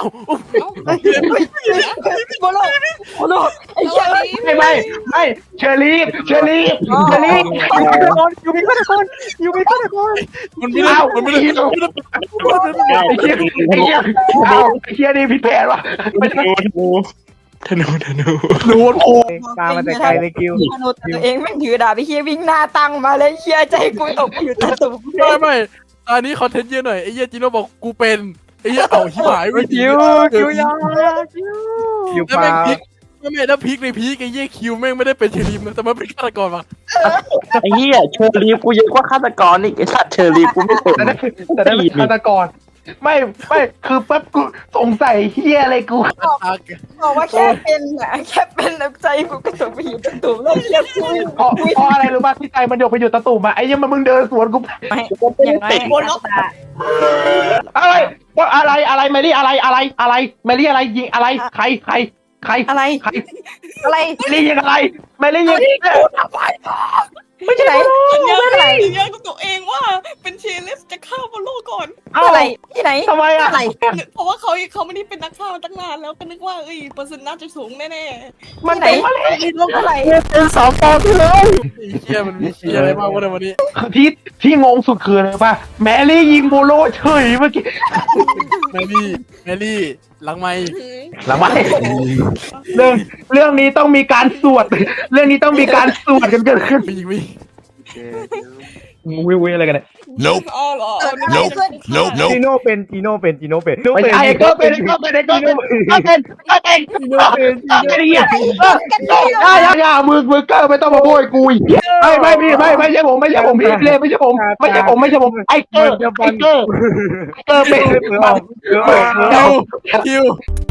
[SPEAKER 6] โบโลโบโลไอ้เหี้ย
[SPEAKER 2] ไม่ไม่ไม่เชอรี่เชอรี่เชอรี่
[SPEAKER 5] อยู่มีฆาตกรอยู่มีฆาตกร
[SPEAKER 3] มันไม่ได้มันไม่ได้มันไม่ได้
[SPEAKER 2] ไอ้เชี่ยไอ้เชี่ยเอาไอ้เชี่ยนี่ผิดแผนวะ
[SPEAKER 7] ธนูธนู
[SPEAKER 2] รู้โอ้
[SPEAKER 5] ตามมาแต่ไกลเลยคิว
[SPEAKER 6] มนุษย์ตัวเองแม่งถือดาบไปเฮียวิ่งหน้าตั้งมาเลยเฮียใจกูตกอยู่ตะตุ่ม
[SPEAKER 3] ไม่ไม่อันนี้คอนเทนต์เยอะหน่อยไอ้เหี้ยจิโร่บอกกูเป็นไอ้เหี้ยเอาหิบหายไป
[SPEAKER 8] คิวคิวยาคิว
[SPEAKER 5] คิว
[SPEAKER 3] แล้ว
[SPEAKER 5] ป
[SPEAKER 3] แม่
[SPEAKER 5] ลาง
[SPEAKER 3] พลิกแล้วแม่แล้วพลิกในพลิกไอ้เหี้ยคิวแม่งไม่ได้เป็นเชลิมนะแต่มันเป็นฆาตกรว่ะ
[SPEAKER 7] ไอ้เหี้ยเชอรีฟกูเยอะกว่าฆาตกรอีกไอ้สัตว์เชอรีฟกูไม่เป็น
[SPEAKER 2] แต่ได้แต่ได้เป็นฆาตกรไม่ไม่คือแป๊บกูสงสัยเฮียอะไรกู
[SPEAKER 6] บอกว่าแค่เป็นอะแค่เป็นแล้วใจกูก็ตกไปอยู่ตะตุ่มแล้วเฮียกู
[SPEAKER 2] เพราะเพราะอะไรรู้ป่ะที่ใจมันโยกไปอยู่ตะตุ่มอะไอ้ยังมันมึงเดินสวนกู
[SPEAKER 6] ไม่อย่างน้อยบนล็อกตา
[SPEAKER 2] อะไรว่าอะไรอะไรแมรี่อะไรอะไรอะไรแมรี่อะไรยิงอะไรใครใครใคร
[SPEAKER 6] อะไร
[SPEAKER 2] ใคร
[SPEAKER 6] อะไร
[SPEAKER 2] แมรี่ยิงอะไรแมรี่ยิงไม่ใช่
[SPEAKER 6] ไหน
[SPEAKER 9] สัญญา
[SPEAKER 6] เมื่อไหร่
[SPEAKER 9] สัญญากับตัวเองว่าเป็นเชเลสจะฆ่าบอลโลก่อน
[SPEAKER 2] เอ้า
[SPEAKER 6] เมื่อไหร่ที่ไหน
[SPEAKER 2] ทำไมอ่ะ
[SPEAKER 6] เมื่อไหร่
[SPEAKER 9] เพราะว่าเขาเขาไม่ได้เป็นนักฆ่ามาตั้งนานแล้วก็นึกว่าเอ้ยเปอร์เซ็นต์น่าจะสูงแน่
[SPEAKER 2] มันเป็นมาเลย
[SPEAKER 6] เมื่อไหร่
[SPEAKER 2] เป็นสองตอนที่เลย
[SPEAKER 3] ไอ้เหี้ยมันมีเหี้ยอะไรบ้างวะในวันนี้
[SPEAKER 2] ที่ที่งงสุดคืออะไรป่ะแมรี่ยิงโบโลเฉยเมื่อกี้
[SPEAKER 3] แมรี่แมรี่หลังไมค์
[SPEAKER 2] หลังไมเรื่องเรื่องนี้ต้องมีการสวด เรื่องนี้ต้องมีการสวดกันเกิดขึ้น
[SPEAKER 3] มีมี
[SPEAKER 2] วิววิวอะไรกันเนี่ย
[SPEAKER 9] ๆอ๋อเหรอ
[SPEAKER 6] เกิ
[SPEAKER 9] เอา
[SPEAKER 6] ด
[SPEAKER 9] นึก
[SPEAKER 6] อะไร
[SPEAKER 9] ว่า
[SPEAKER 6] ขึ้น
[SPEAKER 5] จีโน่เป็นจีโน่เป็นจีโน่เป็น
[SPEAKER 2] ไม่ใช่ก็เป็นก็เป็นก็เป็นก็เป็นก็เป็น
[SPEAKER 5] จีโน่เป็นจี
[SPEAKER 2] ก็
[SPEAKER 5] โน่
[SPEAKER 2] เป็นอย่าอย่าอย่าอย่ามือมือเกอร์ไม่ต้องมาโบยกูอีกไม่ไม่ไม่ไม่ไม่ใช่ผมไม่ใช่ผมพี่เลยไม่ใช่ผมไม่ใช่ผมไม่ใช่ผมไอ้เกอร์ไอ้เกอร์ไอ้เกอร์เป็น
[SPEAKER 5] เผื่อออกเผื่อออกเผื่ออ
[SPEAKER 3] คิ
[SPEAKER 5] อก
[SPEAKER 3] วคิว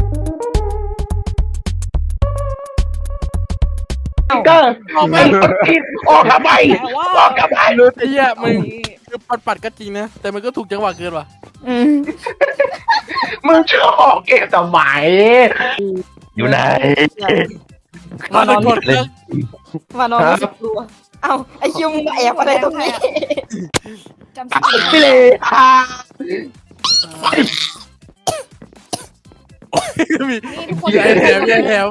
[SPEAKER 2] เกอร์ออกออกทำไม
[SPEAKER 9] แต่ว่า
[SPEAKER 2] ออกทำไม
[SPEAKER 3] ไอ้เหี้ยมึงคือปัดปัดก็จริงนะแต่มันก็ถูกจังหวะเกินว่ะ
[SPEAKER 4] อืม
[SPEAKER 2] มึงชอบเกมสมัยอยู่ไหน
[SPEAKER 3] มานอนกดเลิก
[SPEAKER 6] มานอนรู้สึกกลัวเอ้าไอคิวมึงมาแอบอะไรตรงนี้
[SPEAKER 9] จำชื่อ
[SPEAKER 2] พี่เลยค่ะ
[SPEAKER 3] มี
[SPEAKER 9] นี่ทุกคน
[SPEAKER 3] มีไอแถมมีไอแถม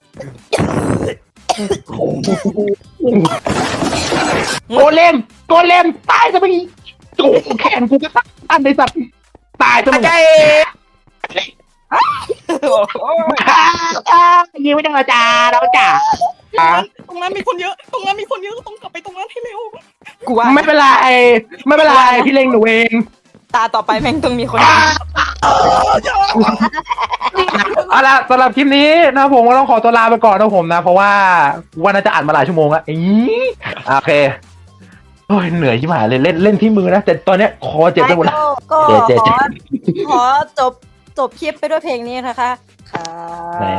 [SPEAKER 2] โกเลมโกเลมตายซะไปโอ้แขนกูก็ตันในสัตว์ตายซะมึงยิงไม่ต้องอาจารย์เราจ่า
[SPEAKER 9] ตรงนั้นมีคนเยอะ ตรงนั้นมีคนเยอะต้องกลับไปตรงนั้นให้เร็ว
[SPEAKER 6] กูว่า
[SPEAKER 2] ไม่เป็นไรไม่เป็นไรพี่เล็งหนูเอง
[SPEAKER 6] ตาต่อไปแม่งต้องมีคน
[SPEAKER 2] เอาละสำหรับคลิปนี้นะผมก็ต้องขอตัวลาไปก่อนนะผมนะ เพราะว่าวันน่าจะอ่านมาหลายชั่วโมงแล้วอีโอเคโอ้ยเหนื่อยชิบหายเลยเล่นเล่นที่มือนะแต่ตอนเนี้ยคอเจ็บไปหมดแล้ว
[SPEAKER 6] ก็
[SPEAKER 2] เจ๊เจ๊
[SPEAKER 6] ขอขอจบจบคลิปไปด้วยเพลงนี้นะคะค่ะ
[SPEAKER 2] ไหน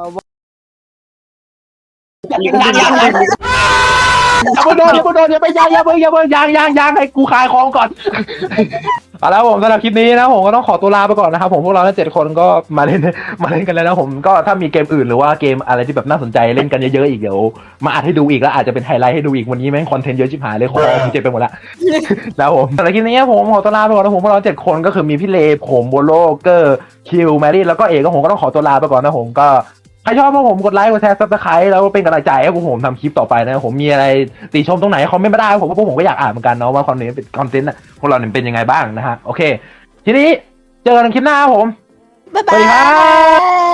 [SPEAKER 6] ว
[SPEAKER 2] ยังยังยังอย่าไปโดนอย่าไปโดนอย่าไปยังอย่าไปอย่าไปยังยังยังให้กูขายของก่อนเอาละผมสำหรับคลิปนี้นะผมก็ต้องขอตัวลาไปก่อนนะครับผมพวกเราทั้งเจ็ดคนก็มาเล่นมาเล่นกันแล้วนะผมก็ถ้ามีเกมอื่นหรือว่าเกมอะไรที่แบบน่าสนใจเล่นกันเยอะๆอีกเดี๋ยวมาอัดให้ดูอีกแล้วอาจจะเป็นไฮไลท์ให้ดูอีกวันนี้แม่งคอนเทนต์เยอะชิบหายเลยคอผมเจ็บไปหมดละแล้วผมสำหรับคลิปนี้ผมขอตัวลาไปก่อนนะผมพวกเราเจ็ดคนก็คือมีพี่เลผมโบโลเกอร์คิวแมรี่แล้วก็เอกก็ผมก็ต้องขอตัวลาไปก่อนนะผมก็ใครชอบพวกผมกดไลค์กดแชร์ซับสไครต์แล้วเป็นกำลังใจให้พวกผมทำคลิปต่อไปนะผมมีอะไรติชมตรงไหนคอมเมนต์มาได้ผมว่าพวกผมก็อยากอ่านเหมือนกันเนาะว่าคอนเทนต์เป็นคอนเทนต์พวกเราเนี่ยเป็นยังไงบ้างนะฮะโอเคทีนี้เจอกันคลิปหน้าครับผม
[SPEAKER 6] บ๊าย
[SPEAKER 2] สวัสดี
[SPEAKER 6] บา
[SPEAKER 2] ครับ
[SPEAKER 6] ย